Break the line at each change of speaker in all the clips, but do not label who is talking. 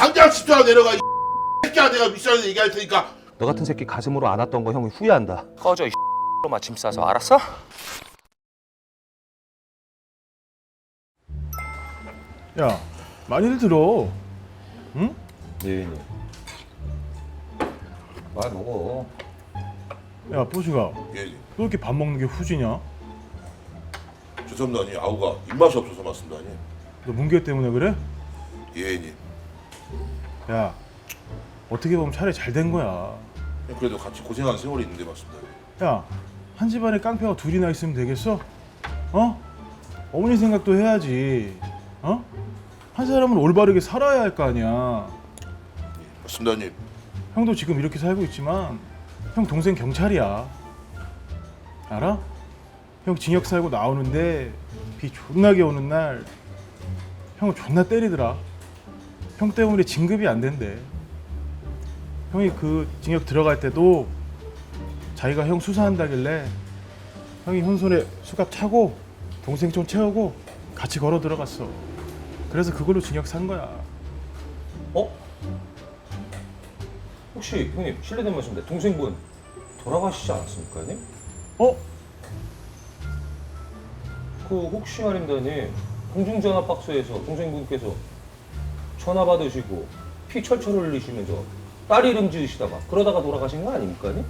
당장 집사람 내려가 이 새끼야. 내가 윗사람한테 얘기할 테니까.
너 같은 새끼 가슴으로 안았던 거 형이 후회한다.
꺼져 이 로 마침 싸서 알았어?
야, 많이들 들어. 응?
예인이 말 먹어.
야, 뽀시가,
예.
너 이렇게 밥 먹는 게 후지냐?
죄송합니다. 아니 아우가 입맛이 없어서 맞습니다. 아니.
너 문개 때문에 그래?
예님.
야, 어떻게 보면 차라리 잘 된 거야.
그래도 같이 고생한 세월이 있는데 맞습니다.
야, 한 집안에 깡패가 둘이나 있으면 되겠어? 어? 어머니 생각도 해야지. 어? 한 사람은 올바르게 살아야 할 거 아니야.
맞습니다. 아니.
형도 지금 이렇게 살고 있지만 형 동생 경찰이야. 알아? 형 징역 살고 나오는데 비 존나게 오는 날 형을 존나 때리더라. 형 때문에 진급이 안 된대. 형이 그 징역 들어갈 때도 자기가 형 수사한다길래 형이 형 손에 수갑 차고 동생 좀 채우고 같이 걸어 들어갔어. 그래서 그걸로 징역 산 거야.
어? 혹시 형님 실례된 말씀인데 동생분 돌아가시지 않았습니까 형님?
어?
그 혹시 말입니다 형님 공중전화 박스에서 동생분께서 전화 받으시고 피 철철 흘리시면서 딸 이름 지으시다가 그러다가 돌아가신 거 아닙니까 형님?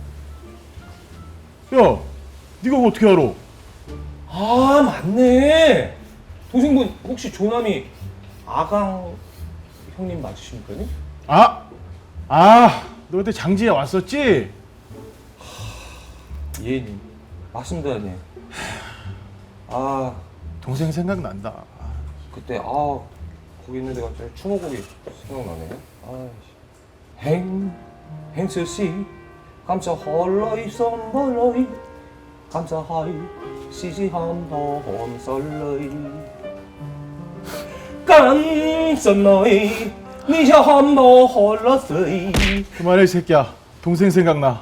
야, 네가 어떻게 알아?
아 맞네. 동생분 혹시 조남이 아강 형님 맞으십니까 형님?
너 그때 장지에 왔었지?
예님 맞습니다 형님. 아
동생 생각난다.
그때 거기 있는데 갑자기 추모곡이 생각나네. 행스시 감사할라이 선벌라이 감사하이 시지함더 홈설라이 깜짝나이 니샤 함더 홀라스이.
그만해 이 새끼야. 동생 생각나.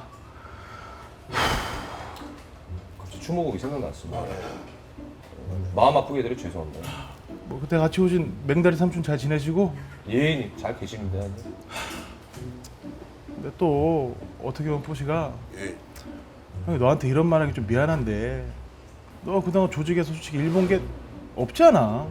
갑자기 추모곡이 생각났습니다. 마음 아프게 해드려 죄송합니다.
뭐 그때 같이 오신 맹다리 삼촌 잘 지내시고?
예인이 잘 계십니다.
근데 또 어떻게 보면 포시가
예.
형이 너한테 이런 말하기 좀 미안한데 너 그동안 조직에서 솔직히 일본 게 없잖아.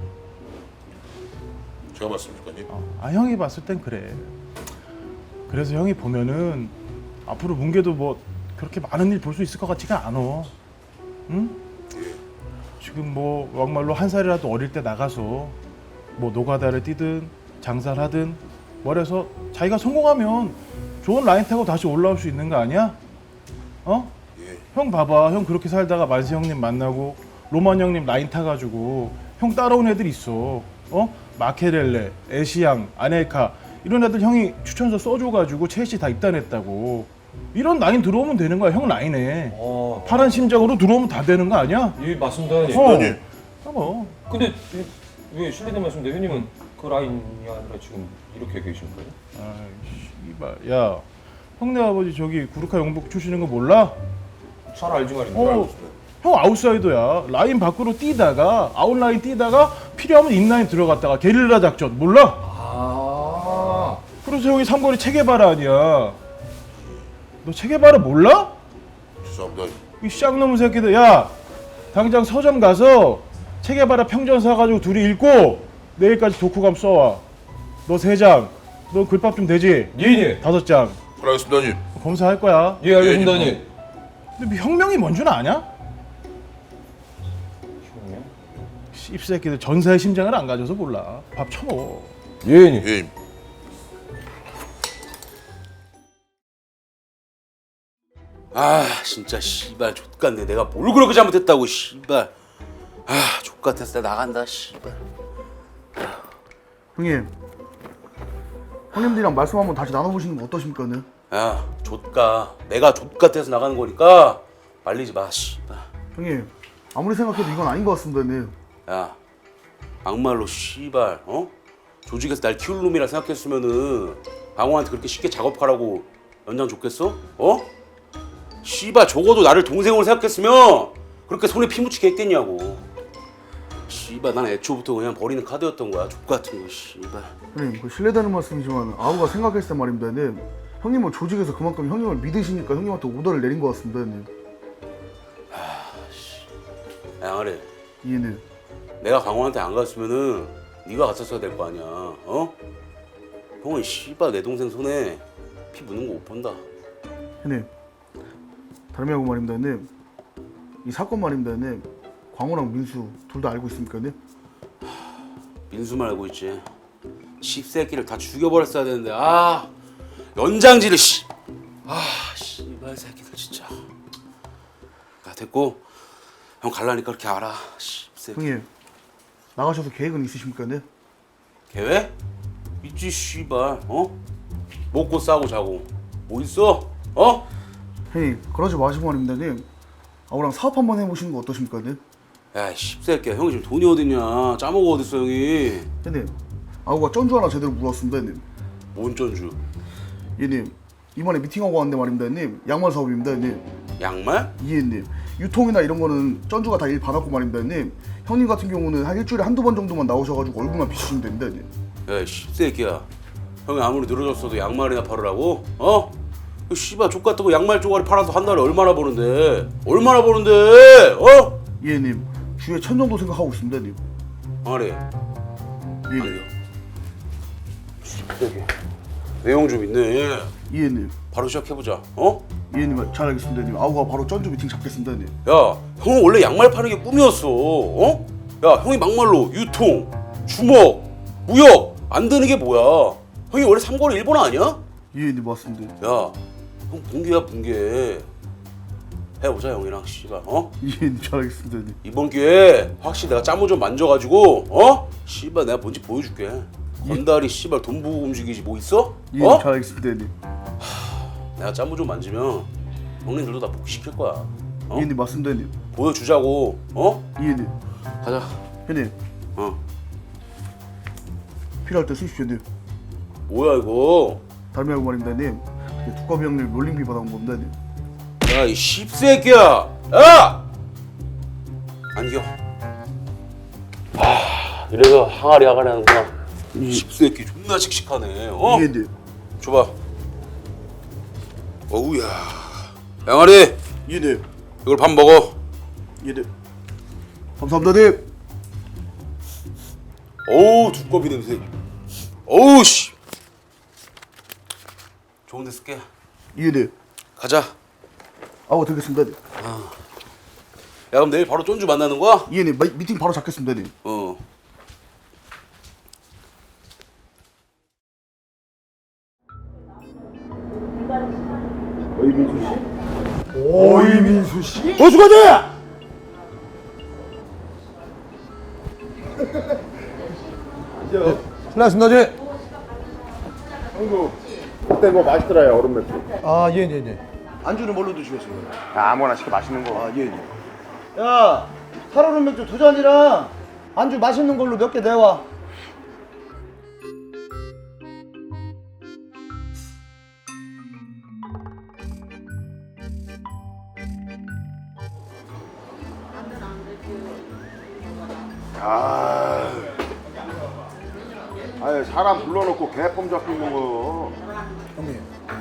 제가 맞습니까? 아니.
형이 봤을 땐 그래. 그래서 형이 보면은 앞으로 문개도 뭐 그렇게 많은 일 볼 수 있을 것 같지가 않아. 응? 지금 뭐 막말로 한 살이라도 어릴 때 나가서 뭐 노가다를 뛰든 장사를 하든 뭐래서 자기가 성공하면 좋은 라인 타고 다시 올라올 수 있는 거 아니야? 어?
예.
형 봐봐. 형 그렇게 살다가 만세 형님 만나고 로만 형님 라인 타가지고 형 따라온 애들 있어. 어? 마케렐레, 에시앙, 아넬카 이런 애들 형이 추천서 써줘가지고 첼시 다 입단했다고. 이런 라인 들어오면 되는 거야. 형 라인에 파란 심장으로 들어오면 다 되는 거 아니야?
예 맞습니다. 형님.
아니.
뭐.
근데 왜 실례된 말씀인데 형님은 그 라인이 아니라 지금 이렇게 계신 거예요?
씨발. 야, 형네 아버지 저기 구르카 영복 출신인 거 몰라?
잘 알지 말입니다.
형 아웃사이더야. 라인 밖으로 뛰다가 아웃라인 뛰다가 필요하면 인라인 들어갔다가 게릴라 작전 몰라? 그래서 형이 삼거리 체게바라 아니야. 너 체게바라 몰라?
죄송합니다.
이 쌍놈의 새끼들. 야, 당장 서점 가서 체게바라 평전 사가지고 둘이 읽고 내일까지 독후감 써와. 너 3장. 너 글밥 좀 되지?
예예.
5장.
알겠습니다. 아니.
검사할 거야.
예 알겠습니다 형님.
근데 혁명이 뭔 줄 아냐?
형님?
씹새끼들 전사의 심장을 안 가져서 몰라. 밥 쳐먹어.
예 형님.
예.
아 진짜 씨발 족같네. 내가 뭘 그렇게 잘못했다고 씨발. 아 족같아서 내가 나간다 씨발.
형님, 형님들이랑 말씀 한번 다시 나눠보시는 거 어떠십니까? 네?
야 족가 내가 족같아서 나가는 거니까 말리지 마 씨발.
형님, 아무리 생각해도 이건 아닌 것 같습니다. 네.
야 막말로 씨발 조직에서 날 키울 놈이라 생각했으면은 방호한테 그렇게 쉽게 작업하라고 연장 줬겠어? 씨발 적어도 나를 동생으로 생각했으면 그렇게 손에 피 묻히게 했겠냐고. 씨발 난 애초부터 그냥 버리는 카드였던 거야. 족 같은 거 씨발.
형님 그 실례되는 말씀이지만 아우가 생각했을 때 말입니다 형님. 형님은 조직에서 그만큼 형님을 믿으시니까 형님한테 오더를 내린 것 같습니다 형님.
양아래,
이해는
내가 강호한테 안 갔으면은 네가 갔었어야 될 거 아니야. 어? 형은 씨발 내 동생 손에 피 묻는 거 못 본다.
형님 다름이하고 말입니다 형님. 이 사건 말입니다 형님. 광호랑 민수 둘 다 알고 있습니까 형님?
민수만 알고 있지. 씹새끼를 다 죽여버렸어야 되는데 아 연장질을 씨. 아 씨발 새끼들 진짜. 야 됐고 형 갈라니까 그렇게 알아. 씹새끼.
형님 나가셔서 계획은 있으십니까 형님?
계획? 있지 씨발. 어? 먹고 싸고 자고 뭐 있어? 어?
형님 그러지 마시고 말입니다 형님. 아우랑 사업 한번 해보시는 거 어떠십니까 형님?
야 씹새끼야 형이 지금 돈이 어딨냐. 짜먹어 어딨어 형이.
형님 아우가 전주 하나 제대로 물었습니다 형님.
뭔 전주?
예님 이번에 미팅하고 왔는데 말입니다 형님. 양말 사업입니다 형님.
양말?
이해님 유통이나 이런 거는 전주가 다 일 받았고 말입니다 형님. 형님 같은 경우는 한 일주일에 한두 번 정도만 나오셔가지고 얼굴만 비추시면 됩니다 형님.
야 씹새끼야 형이 아무리 늘어졌어도 양말이나 팔으라고? 어? 그 씨발 족같다고 양말 쪼가리 팔아서 한 달에 얼마나 버는데? 얼마나 버는데? 어?
이해님 주에 1000 정도 생각하고 있습니다 형님.
아래
이해님
씹새끼 내용 좀 있네.
이해님
바로 시작해보자. 어?
이해님 잘 알겠습니다 형님. 아우가 바로 전주 미팅 잡겠습니다 형님.
야 형은 원래 양말 파는 게 꿈이었어. 어? 야 형이 막말로 유통, 주먹, 무역 안 되는 게 뭐야? 형이 원래 삼거리 일본어 아니야?
이해님 맞습니다.
야 형 붕괴야 붕괴. 해보자 형이랑 씨발. 어?
이해님 잘 알겠습니다 형님.
이번 기회에 확실히 내가 짜모 좀 만져가지고 어? 씨발 내가 뭔지 보여줄게. 건달이 씨발 돈 보고 움직이지 뭐 있어?
이해님
어?
잘 알겠습니다 형님.
내가 짜모 좀 만지면 형님들도 다 복귀시킬 거야. 어?
이해님 맞습니다 형님.
보여주자고. 어?
이해님
가자.
형님
어.
필요할 때 쓰십시오 형님.
뭐야 이거?
다름이하고 말입니다 형님. 이게 두꺼비 형님 롤링비 받아온 겁니다 형님.
야 이 씹새끼야. 야! 안겨. 아 이래서 항아리 하는구나. 이 씹새끼 존나 씩씩하네. 어?
이해님
줘봐. 어우야. 양아리
이해님
이걸 밥 먹어.
이해님 감사합니다 형님.
어우 두꺼비 냄새. 어우 씨. 좋은 데 쓸게.
이해님
가자. 야
아우 되겠습니다 형님.
그럼 내일 바로 쫀주 만나는 거야?
이해님 미팅 바로 잡겠습니다 형님.
어.
오이민수 씨?
어수가지!
신나십니다, 지
형도 그때 뭐 맛있더라요 얼음 맥주.
아, 예, 예, 예.
안주는 뭘로 드시겠습니까?
아무거나 시켜 맛있는 거.
아 예예. 야 살얼음 맥주 2잔이랑 안주 맛있는 걸로 몇 개 내와.
아유 사람 불러놓고 개폼 잡히는 거.
형님,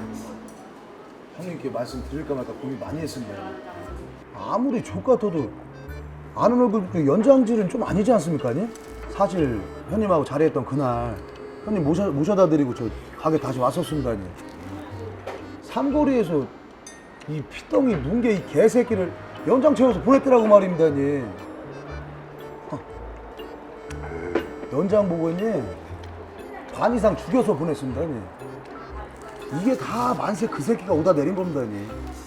형님께 말씀 드릴까 말까 고민 많이 했습니다. 아무리 족 같아도 아는 얼굴 그 연장질은 좀 아니지 않습니까? 아니? 사실 형님하고 자리했던 그날 형님 모셔다 드리고 저 가게 다시 왔었습니다. 아니. 삼거리에서 이 피덩이 뭉개 이 개새끼를 연장 채워서 보냈더라고 말입니다. 아니. 연장 보고 있니? 반 이상 죽여서 보냈습니다. 아니. 이게 다 만세 그 새끼가 오다 내린 겁니다. 아니.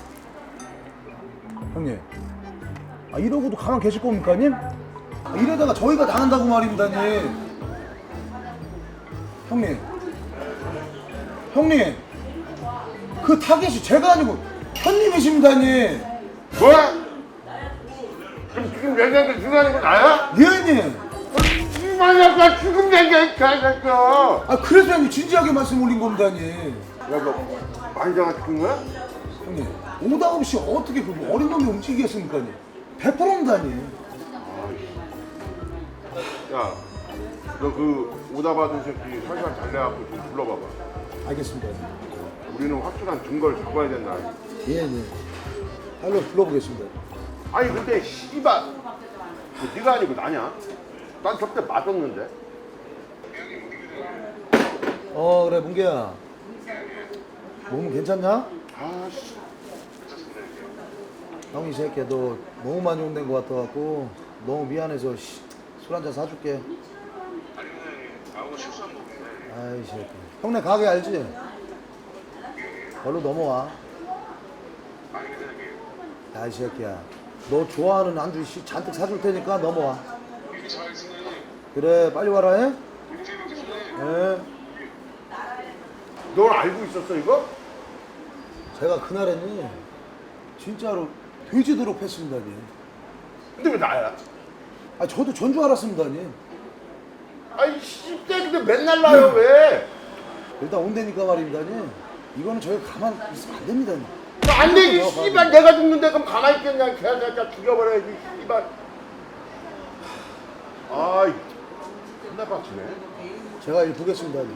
형님, 아, 이러고도 가만 계실 겁니까, 님? 아, 이러다가 저희가 당한다고 말입니다, 님. 형님, 그 타겟이 제가 아니고 형님이십니다, 님.
뭐? 지금 얘기하는 중요한 건 나야?
예, 형님.
만약에 지금 얘기했어.
아, 그래서 형님 진지하게 말씀 올린 겁니다, 님.
야너 만장아 죽은 거야?
형님, 오다 없이 어떻게 그 어린 놈이 움직이겠습니까, 님? 100%입니다, 님.
야, 너 그 오다 받은 새끼 살살 달래갖고 좀 불러봐봐.
알겠습니다.
우리는 확실한 증거를 잡아야 된다.
예, 예. 빨리 불러보겠습니다.
아니 근데 씨발 네가 아니고 나냐? 난 저때 맞았는데.
그래, 문개야. 몸은 괜찮냐?
아씨.
형이 이 새끼야, 너 너무 많이 혼낸 것 같아갖고 너무 미안해서 술 한잔 사줄게. 아이 새끼. 형네 가게 알지? 걸로 넘어와. 야, 이 새끼야. 너 좋아하는 안주 잔뜩 사줄 테니까 넘어와. 그래, 빨리 와라, 해? 예.
널 알고 있었어 이거?
제가 그날에는 진짜로 돼지도록 했습니다니.
근데 왜 나야?
아, 저도 전 줄 알았습니다니.
아이 씨발인데 맨날 나요 왜?
일단 온다니까 말입니다니. 이거는 저희가 가만 있으면 안 됩니다니.
안 되지 씨발 내가 죽는데 그럼 가만히 있겠냐? 걔가 죽여버려야지 씨발. 아이 존나 빡치네.
제가 일 보겠습니다니.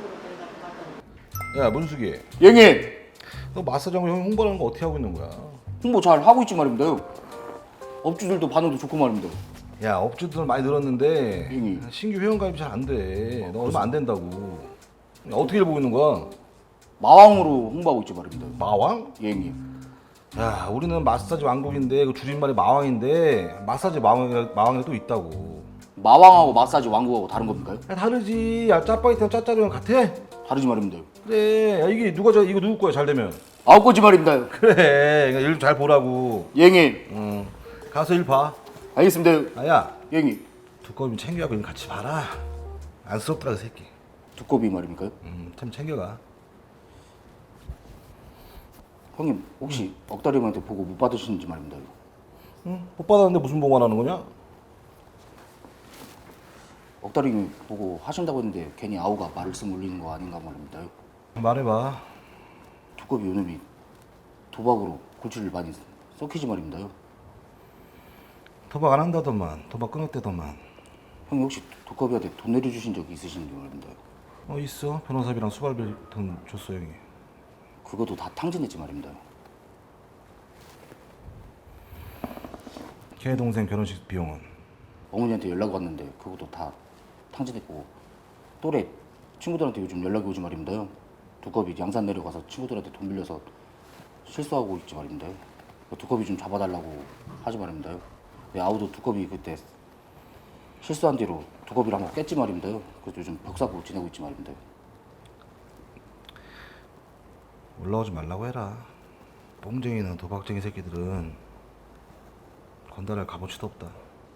야, 문숙이.
형님,
너 마사지하고 형 홍보하는 거 어떻게 하고 있는 거야?
홍보 잘 하고 있지 말입니다요. 업주들도 반응도 좋고 말입니다.
야, 업주들 많이 늘었는데
형님.
신규 회원가입이 잘 안 돼. 너 얼마 안 된다고. 야, 어떻게 일 보고 있는 거야?
마왕으로 홍보하고 있지 말입니다.
마왕?
형님.
야, 우리는 마사지 왕국인데 그 줄임말이 마왕인데 마사지 마왕이 또 있다고.
마왕하고 마사지 왕국하고 다른 겁니까요?
야, 다르지. 야, 짜파게티랑 짜짜리랑 같아?
다르지 말입니다.
그래. 야, 이게 이거 누구 거야? 잘 되면.
아홉 거지 말입니다.
그래. 일 좀 잘 보라고.
형님.
가서 일 봐.
알겠습니다.
아, 야,
형님.
두꺼비 좀 챙겨가고 일 같이 봐라. 안쓰럽더라 그 새끼.
두꺼비 말입니까요?
참 챙겨가.
형님, 혹시 억다리 형한테 보고 못 받으시는지 말입니다.
못 받았는데 무슨 보관하는 거냐?
억다리 형이 보고 하신다고 했는데 괜히 아우가 말씀 올리는 거 아닌가 말입니다.
말해봐.
두꺼비 요놈이 도박으로 골치를 많이 썩히지 말입니다.
도박 안 한다더만. 도박 끊었대더만.
형님 혹시 두꺼비한테 돈 내려주신 적 있으신지 말입니다.
있어. 변호사비랑 수발비 돈 줬어 형이.
그것도 다 탕진했지 말입니다.
걔 동생 결혼식 비용은?
어머니한테 연락 왔는데 그것도 다 탕진했고 또래 친구들한테 요즘 연락이 오지 말입니다. 두꺼비 양산 내려가서 친구들한테 돈 빌려서 실수하고 있지 말입니다. 두꺼비 좀 잡아달라고 하지 말입니다. 아우도 두꺼비 그때 실수한 뒤로 두꺼비를 한번 깼지 말입니다. 그래서 요즘 벽사고 지내고 있지 말입니다.
올라오지 말라고 해라. 뽕쟁이는 도박쟁이 새끼들은 건달할 값어치도 없다.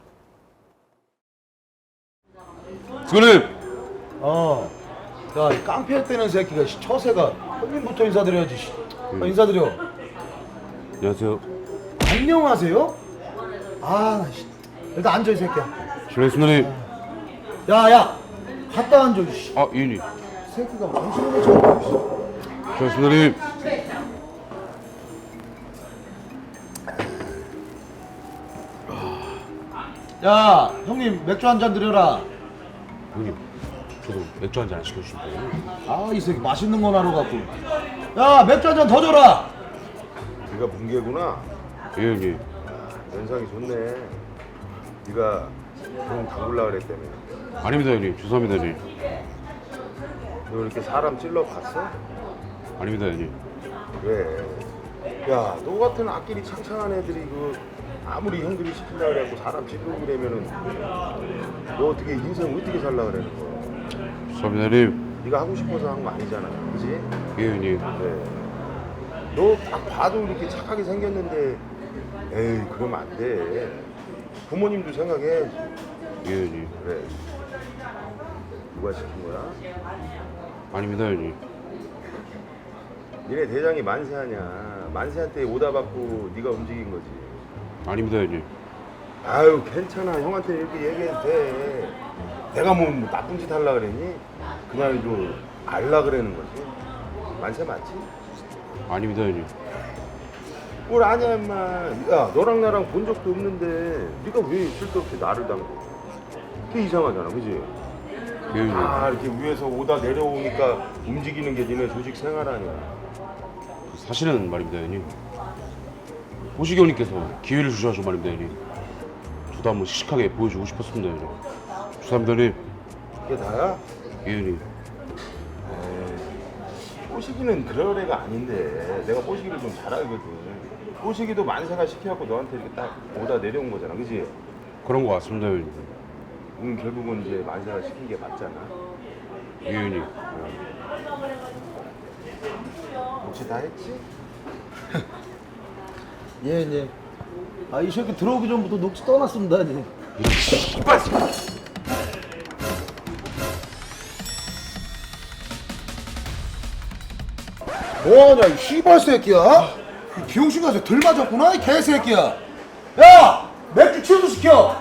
수고님.
야, 이 깡패 때는 새끼가 처세가 형님부터 인사드려야지. 인사드려.
안녕하세요.
안녕하세요? 아, 나 일단 앉아 이 새끼야.
실례했습니다.
야, 갔다 앉아. 이
아, 이인이.
새끼가 정신을 못 차리고.
실례했습니다.
야, 형님 맥주 한 잔 드려라.
형님, 저도 맥주 한 잔 안 시켜주신 거예요?
아, 이 새끼 맛있는 거 나러 갖고. 야, 맥주 한 잔 더 줘라.
네가 문개구나.
예, 형님.
연상이 좋네. 네가 돈 죽을라 그랬다며.
아닙니다, 형님. 죄송합니다, 형님.
너 이렇게 사람 찔러 봤어?
아닙니다, 형님.
왜? 야, 너 같은 악길이 창창한 애들이 아무리 형들이 시킨다 그래갖고 사람 찔르고 그러면은 너 어떻게 인생 어떻게 살라 그러는 거야?
죄송합니다, 형님.
네가 하고 싶어서 한 거 아니잖아, 그지?
예, 형님.
그래. 너 딱 봐도 이렇게 착하게 생겼는데 에이 그러면 안 돼. 부모님도 생각해야지.
예, 형님.
그래. 누가 시킨 거야?
아닙니다, 형님.
니네 대장이 만세하냐? 만세한테 오다 받고 네가 움직인 거지.
아닙니다, 형님.
아유 괜찮아. 형한테 이렇게 얘기해도 돼. 내가 뭐 나쁜 짓 하려고 그랬니? 그냥 좀 알라 그러는 거지. 만세 맞지?
아닙니다, 형님.
뭘 아냐 임마. 야 너랑 나랑 본 적도 없는데 네가 왜 쓸데없이 나를 담고. 그게 이상하잖아, 그지?
예은이
아, 이렇게 위에서 오다 내려오니까 움직이는 게 니네 조직 생활 아니야.
사실은 말입니다 형님. 호시경님께서 기회를 주셔서 말입니다 형님. 저도 한번 씩씩하게 보여주고 싶었습니다 형님. 죄송합니다 형님.
그게 다야?
예은이
뽀시기는 그럴 애가 아닌데 내가 뽀시기를 좀 잘 알거든. 뽀시기도 만세가 시켜갖고 너한테 이렇게 딱 오다 내려온 거잖아, 그지?
그런 거 같습니다 형님.
결국은 이제 만세가 시킨 게 맞잖아.
예은이
혹시 다 했지?
예. 아, 이 새끼 들어오기 전부터 녹지 떠났습니다, 예. 뭐하냐, 이 씨발 새끼야? 이 비용신 가서 들 맞았구나, 이 개새끼야. 야! 맥주 취소 시켜!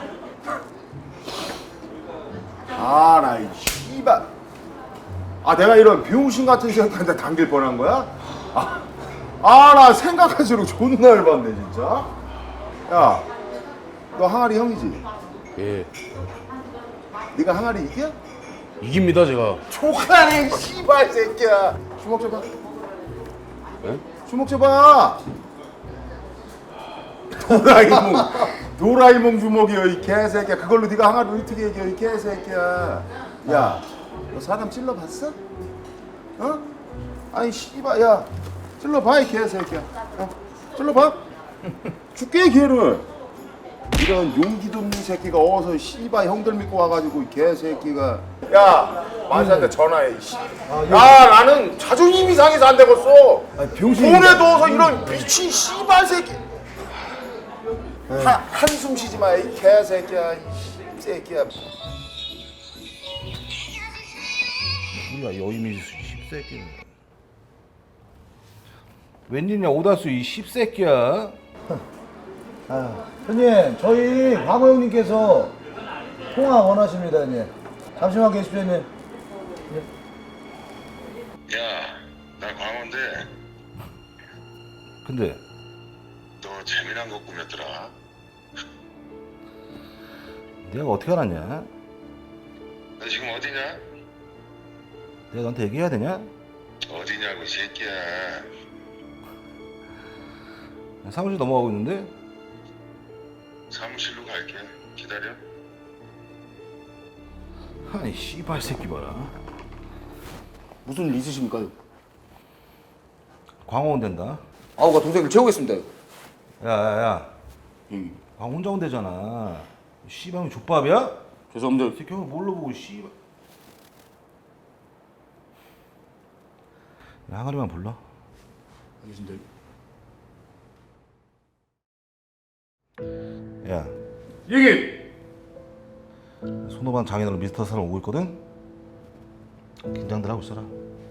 아, 나 이 씨발. 아, 내가 이런 병신 같은 새끼한테 당길 뻔한 거야? 나 생각할수록 존나 열받네, 진짜. 야, 너 항아리 형이지?
예
네가 항아리 이겨?
이깁니다 제가.
족하네, 씨발 새끼야. 주먹 줘봐.
네?
주먹 줘봐. 도라이몽 주먹이여, 이 개새끼야. 그걸로 네가 항아리 어떻게 이겨, 이 개새끼야. 야, 너 사람 찔러봤어? 어? 아니 씨발, 야, 찔러봐, 이 개새끼야. 찔러봐. 죽게 기회를. 이런 용기도 없는 새끼가 어서 씨발 형들 믿고 와가지고 이 개새끼가. 야, 만사한테 전화해. 야, 나는 자존심이 상해서 안 되겠어.
병신이.
돈에 넣어서 이런 미친 씨발 새끼. 한숨 쉬지 마, 이 개새끼야, 이 새끼야.
몰라 여임이 씹새끼는. 웬일이냐 오다수 이 씹새끼야.
형님, 저희 광호 형님께서 통화 원하십니다, 형님. 잠시만 계십시오, 형님.
야, 나 광호인데
근데
너 재미난 거 꾸몄더라.
내가 어떻게 알았냐?
너 지금 어디냐?
내가 너한테 얘기해야 되냐?
어디냐고 이 새끼야.
사무실 넘어가고 있는데.
사무실로 갈게. 기다려.
아니 씨발 새끼 봐라.
무슨 일 있으십니까요?
광호 온댄다.
아우가 동생을 채우겠습니다.
야야야.
예.
광호 혼자 온대잖아. 씨발이 족밥이야?
죄송합니다.
이 새끼 형 뭘로 보고 씨발. 야, 항아리만 불러.
알겠습니다.
야. 얘기. 손오반 장인어른 미스터 사람 오고 있거든. 긴장들 하고 있어라.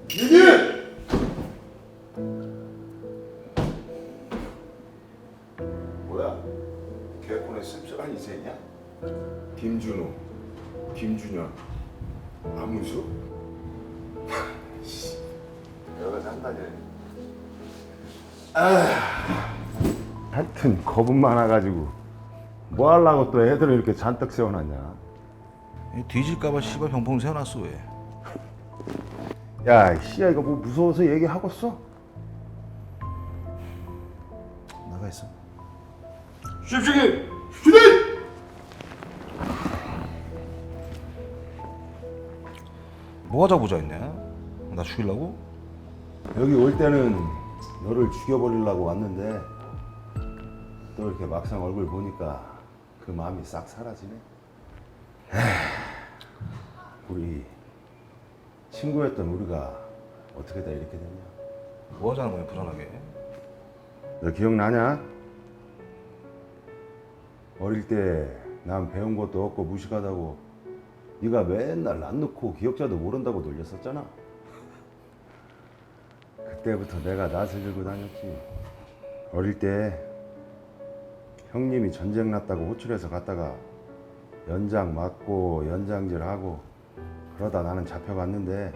뭐야? 개콘의 씁쓸한 이세냐? 김준호, 김준현, 안문수? 여가 장난이네. 하여튼 겁은 많아가지고 뭐 하려고 또 애들을 이렇게 잔뜩 세워놨냐?
뒤질까봐 씨발 병풍 세워놨어 왜?
야, 씨야, 이거 뭐 무서워서 얘기하겠어?
나가 있어.
쉽시기! 휴대!
뭐 하자 보자 했냐? 나 죽이려고?
여기 올 때는 너를 죽여버리려고 왔는데 또 이렇게 막상 얼굴 보니까 그 마음이 싹 사라지네. 우리 친구였던 우리가 어떻게 다 이렇게 됐냐?
뭐 하자는 거야 불안하게?
너 기억나냐? 어릴 때 난 배운 것도 없고 무식하다고 네가 맨날 안 놓고 기억자도 모른다고 놀렸었잖아. 그때부터 내가 낯을 들고 다녔지. 어릴 때 형님이 전쟁 났다고 호출해서 갔다가 연장 맞고 연장질하고 그러다 나는 잡혀갔는데,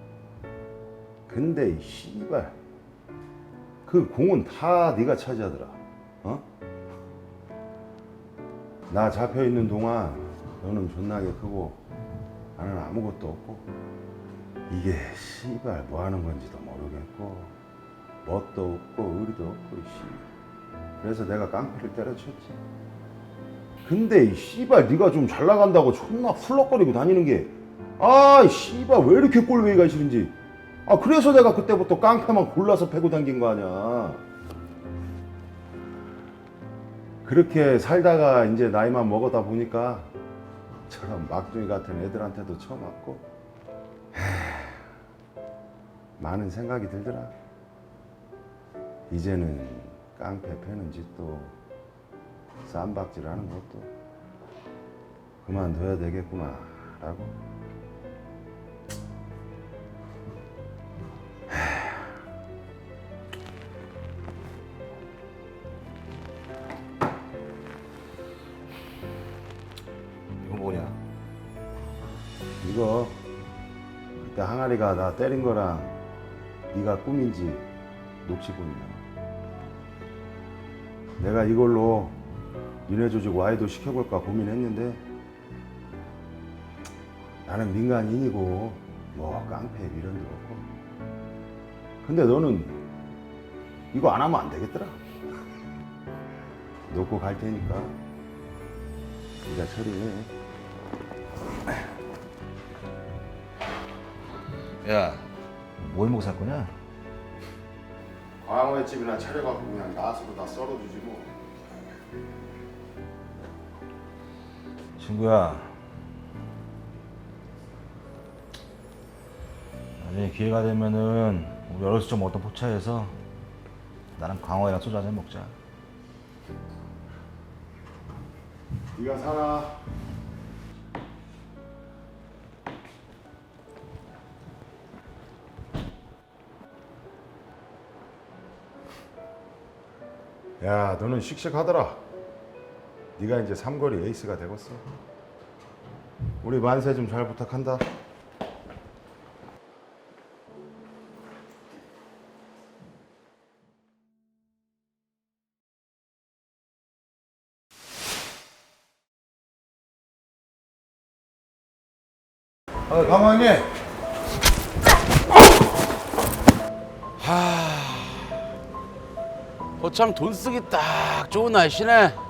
근데 이 씨발 그 공은 다 네가 차지하더라. 어? 나 잡혀있는 동안 너는 존나게 크고 나는 아무것도 없고 이게 씨발 뭐 하는 건지도 모르겠고 멋도 없고 의리도 없고 씨. 그래서 내가 깡패를 때려쳤지. 근데 이 씨발 네가 좀 잘 나간다고 존나 훌럭거리고 다니는 게 아 씨발 왜 이렇게 꼴보기가 싫은지. 아 그래서 내가 그때부터 깡패만 골라서 패고 다닌 거 아니야. 그렇게 살다가 이제 나이만 먹었다 보니까 저런 막둥이 같은 애들한테도 처음 왔고 많은 생각이 들더라. 이제는 깡패 패는 짓도 쌈박질하는 것도 그만둬야 되겠구나 라고.
이건 뭐냐?
이거 그때 항아리가 나 때린 거랑 네가 꿈인지 녹취본이야. 내가 이걸로 니네 조직 와이도 시켜볼까 고민했는데 나는 민간인이고 뭐 깡패 미련도 없고 근데 너는 이거 안 하면 안 되겠더라. 놓고 갈 테니까 네가 처리해.
야, 뭘 먹고 살 거냐?
광어의 집이나 차려갖고 그냥 낫으로 다 썰어주지 뭐.
친구야, 나중에 기회가 되면은 우리 어렸을 적 먹던 포차에서 나랑 광어랑 소주 한잔 먹자.
네가 살아. 야, 너는 씩씩하더라. 네가 이제 삼거리 에이스가 되겠어. 우리 만세 좀 잘 부탁한다.
강호님.
거참 돈 쓰기 딱 좋은 날씨네.